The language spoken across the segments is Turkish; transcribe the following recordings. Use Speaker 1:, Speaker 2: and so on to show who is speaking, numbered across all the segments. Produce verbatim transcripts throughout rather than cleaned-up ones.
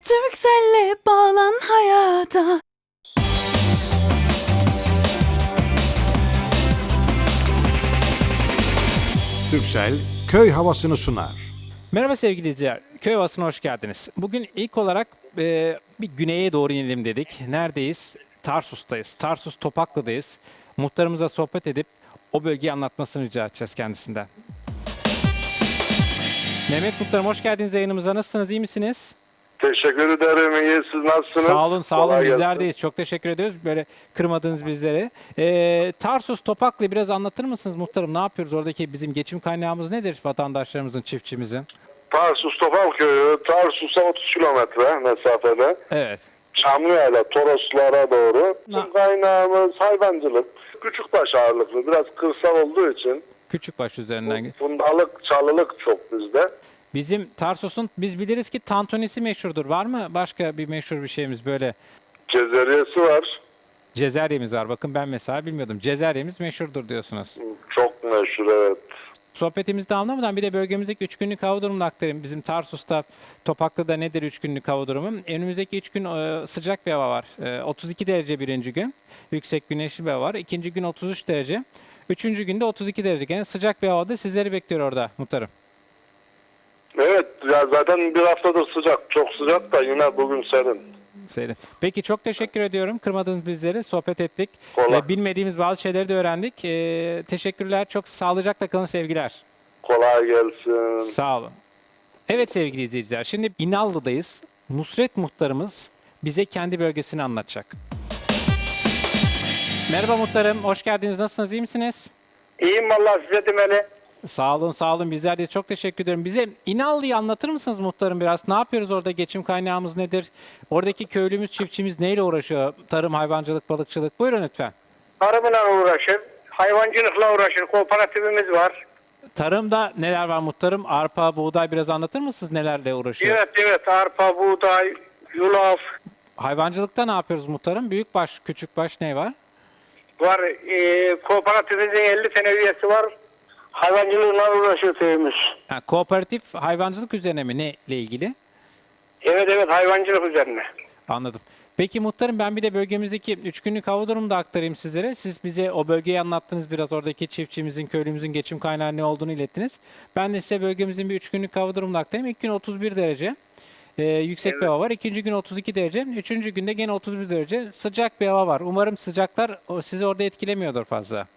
Speaker 1: Turkcell'le bağlan hayata.
Speaker 2: Turkcell köy havasını sunar.
Speaker 3: Merhaba sevgili izleyiciler, köy havasına hoş geldiniz. Bugün ilk olarak e, bir güneye doğru inelim dedik. Neredeyiz? Tarsus'tayız. Tarsus Topaklı'dayız. Muhtarımıza sohbet edip o bölgeyi anlatmasını rica edeceğiz kendisinden. Mehmet Muhtarım hoş geldiniz yayınımıza. Nasılsınız, iyi misiniz?
Speaker 4: Teşekkür ederim. İyi. Siz nasılsınız?
Speaker 3: Sağ olun, sağ olun.
Speaker 4: Kolay
Speaker 3: Bizler
Speaker 4: gelsin.
Speaker 3: deyiz. Çok teşekkür ediyoruz. Böyle kırmadınız bizleri. Ee, Tarsus Topaklı'yı biraz anlatır mısınız muhtarım? Ne yapıyoruz? Oradaki bizim geçim kaynağımız nedir vatandaşlarımızın, çiftçimizin?
Speaker 4: Tarsus Topal Köyü, Tarsus'a otuz kilometre mesafede.
Speaker 3: Evet.
Speaker 4: Çamlıya'yla Toroslara doğru.
Speaker 3: Na-
Speaker 4: Bizim kaynağımız hayvancılık. Küçükbaş ağırlıklı. Biraz kırsal olduğu için
Speaker 3: Küçükbaş üzerinden.
Speaker 4: fundalık, çalılık çok bizde.
Speaker 3: Bizim Tarsus'un biz biliriz ki tantunisi meşhurdur. Var mı başka bir meşhur bir şeyimiz böyle?
Speaker 4: Cezeriyesi var.
Speaker 3: Cezeryemiz var. Bakın ben mesela bilmiyordum. Cezeryemiz meşhurdur diyorsunuz.
Speaker 4: Çok meşhur, evet.
Speaker 3: Sohbetimizde anlamadan bir de bölgemizdeki üç günlük hava durumunu aktarayım. Bizim Tarsus'ta, Topaklı'da nedir üç günlük hava durumu? Önümüzdeki üç gün e, sıcak bir hava var. E, otuz iki derece birinci gün. Yüksek güneşli bir hava var. İkinci gün otuz üç derece. Üçüncü günde otuz iki derece. Gene sıcak bir havada sizleri bekliyor orada muhtarım.
Speaker 4: Evet, ya zaten bir haftadır sıcak. Çok sıcak da yine bugün serin.
Speaker 3: Serin. Peki çok teşekkür ediyorum. Kırmadınız bizleri. Sohbet ettik.
Speaker 4: Kolay.
Speaker 3: Ee, bilmediğimiz bazı şeyleri de öğrendik. Ee, teşekkürler. Çok sağlıcakla kalın, sevgiler.
Speaker 4: Kolay gelsin.
Speaker 3: Sağ olun. Evet sevgili izleyiciler. Şimdi İnallı'dayız. Nusret muhtarımız bize kendi bölgesini anlatacak. Merhaba muhtarım. Hoş geldiniz. Nasılsınız? İyi misiniz?
Speaker 5: İyiyim vallahi size demeli.
Speaker 3: Sağ olun, sağ olun. Bizler de çok teşekkür ederim. Bize İnallı'yı anlatır mısınız muhtarım biraz? Ne yapıyoruz orada? Geçim kaynağımız nedir? Oradaki köylümüz, çiftçimiz neyle uğraşıyor? Tarım, hayvancılık, balıkçılık. Buyurun lütfen.
Speaker 5: Tarımla uğraşır, hayvancılıkla uğraşır, kooperatifimiz var.
Speaker 3: Tarımda neler var muhtarım? Arpa, buğday biraz anlatır mısınız nelerle uğraşıyor?
Speaker 5: Evet evet arpa, buğday, yulaf
Speaker 3: Hayvancılıkta ne yapıyoruz muhtarım? Büyükbaş, küçükbaş ne var?
Speaker 5: var. Ee, kooperatifimizin elli tane üyesi var. Hayvancılığına uğraşıyor köyümüz.
Speaker 3: Ha, kooperatif hayvancılık üzerine mi? Ne ile ilgili?
Speaker 5: Evet evet hayvancılık üzerine.
Speaker 3: Anladım. Peki muhtarım ben bir de bölgemizdeki üç günlük hava durumunu da aktarayım sizlere. Siz bize o bölgeyi anlattınız biraz oradaki çiftçimizin, köylümüzün geçim kaynağı ne olduğunu ilettiniz. Ben de size bölgemizin bir üç günlük hava durumunu aktarayım. İlk gün otuz bir derece. Ee, yüksek bir hava var. İkinci gün otuz iki derece. Üçüncü günde gene otuz bir derece. Sıcak bir hava var. Umarım sıcaklar o- sizi orada etkilemiyordur fazla.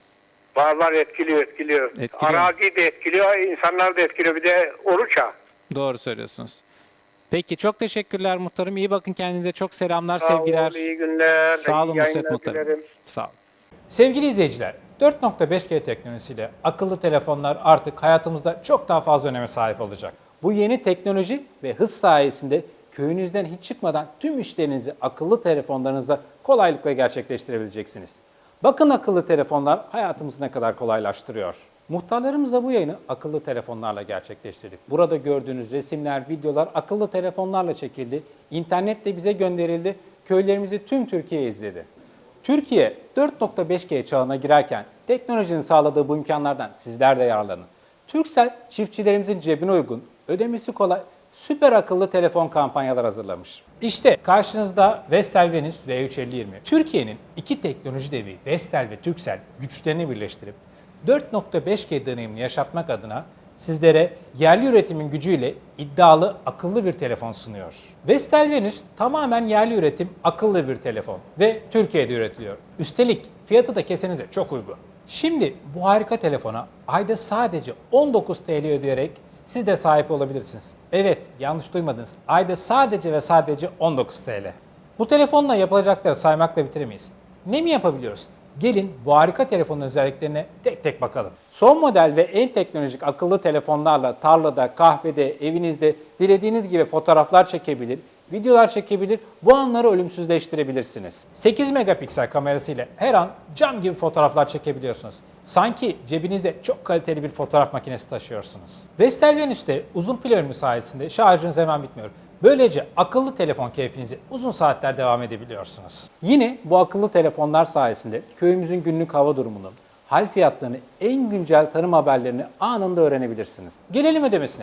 Speaker 5: Var var etkiliyor etkiliyor.
Speaker 3: Etkiliyor.
Speaker 5: Arazi de etkiliyor, insanlar da etkiliyor. Bir de oruç ha.
Speaker 3: Doğru söylüyorsunuz. Peki çok teşekkürler muhtarım. İyi bakın kendinize. Çok selamlar,
Speaker 5: Sağ
Speaker 3: sevgiler.
Speaker 5: ol, iyi günler.
Speaker 3: Sağ olun
Speaker 5: iyi
Speaker 3: Nusret
Speaker 5: yayınlar
Speaker 3: muhtarım.
Speaker 5: dilerim.
Speaker 3: Sağ olun. Sevgili izleyiciler, dört nokta beş G teknolojisiyle akıllı telefonlar artık hayatımızda çok daha fazla öneme sahip olacak. Bu yeni teknoloji ve hız sayesinde köyünüzden hiç çıkmadan tüm işlerinizi akıllı telefonlarınızda kolaylıkla gerçekleştirebileceksiniz. Bakın akıllı telefonlar hayatımızı ne kadar kolaylaştırıyor. Muhtarlarımızla bu yayını akıllı telefonlarla gerçekleştirdik. Burada gördüğünüz resimler, videolar akıllı telefonlarla çekildi. İnternetle bize gönderildi. Köylerimizi tüm Türkiye izledi. Türkiye dört nokta beş G çağına girerken teknolojinin sağladığı bu imkanlardan sizler de yararlanın. Turkcell çiftçilerimizin cebine uygun, ödemesi kolay, süper akıllı telefon kampanyalar hazırlamış. İşte karşınızda Vestel Venus V üç elli yirmi. Türkiye'nin iki teknoloji devi Vestel ve Turkcell güçlerini birleştirip dört nokta beş G deneyimini yaşatmak adına sizlere yerli üretimin gücüyle iddialı akıllı bir telefon sunuyor. Vestel Venus tamamen yerli üretim akıllı bir telefon ve Türkiye'de üretiliyor. Üstelik fiyatı da kesenize çok uygun. Şimdi bu harika telefona ayda sadece on dokuz TL ödeyerek siz de sahip olabilirsiniz. Evet, yanlış duymadınız. Ayda sadece ve sadece on dokuz TL. Bu telefonla yapılacakları saymakla bitiremeyiz. Ne mi yapabiliyoruz? Gelin bu harika telefonun özelliklerine tek tek bakalım. Son model ve en teknolojik akıllı telefonlarla tarlada, kahvede, evinizde dilediğiniz gibi fotoğraflar çekebilir, videolar çekebilir, bu anları ölümsüzleştirebilirsiniz. sekiz megapiksel kamerasıyla her an cam gibi fotoğraflar çekebiliyorsunuz. Sanki cebinizde çok kaliteli bir fotoğraf makinesi taşıyorsunuz. Vestel Venus'te uzun pil ömrü sayesinde şarjınız hemen bitmiyor. Böylece akıllı telefon keyfinizi uzun saatler devam edebiliyorsunuz. Yine bu akıllı telefonlar sayesinde köyümüzün günlük hava durumunu, hal fiyatlarını, en güncel tarım haberlerini anında öğrenebilirsiniz. Gelelim ödemesine.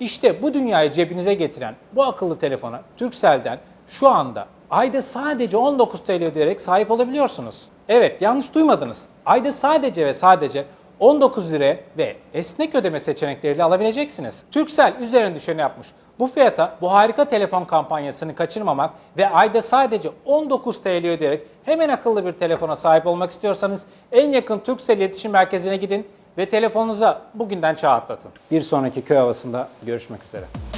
Speaker 3: İşte bu dünyayı cebinize getiren bu akıllı telefona Turkcell'den şu anda ayda sadece on dokuz T L ödeyerek sahip olabiliyorsunuz. Evet, yanlış duymadınız. Ayda sadece ve sadece on dokuz liraya ve esnek ödeme seçenekleriyle alabileceksiniz. Turkcell üzerine düşeni yapmış. Bu fiyata bu harika telefon kampanyasını kaçırmamak ve ayda sadece on dokuz T L ödeyerek hemen akıllı bir telefona sahip olmak istiyorsanız en yakın Turkcell iletişim merkezine gidin ve telefonunuza bugünden çağ atlatın. Bir sonraki köy havasında görüşmek üzere.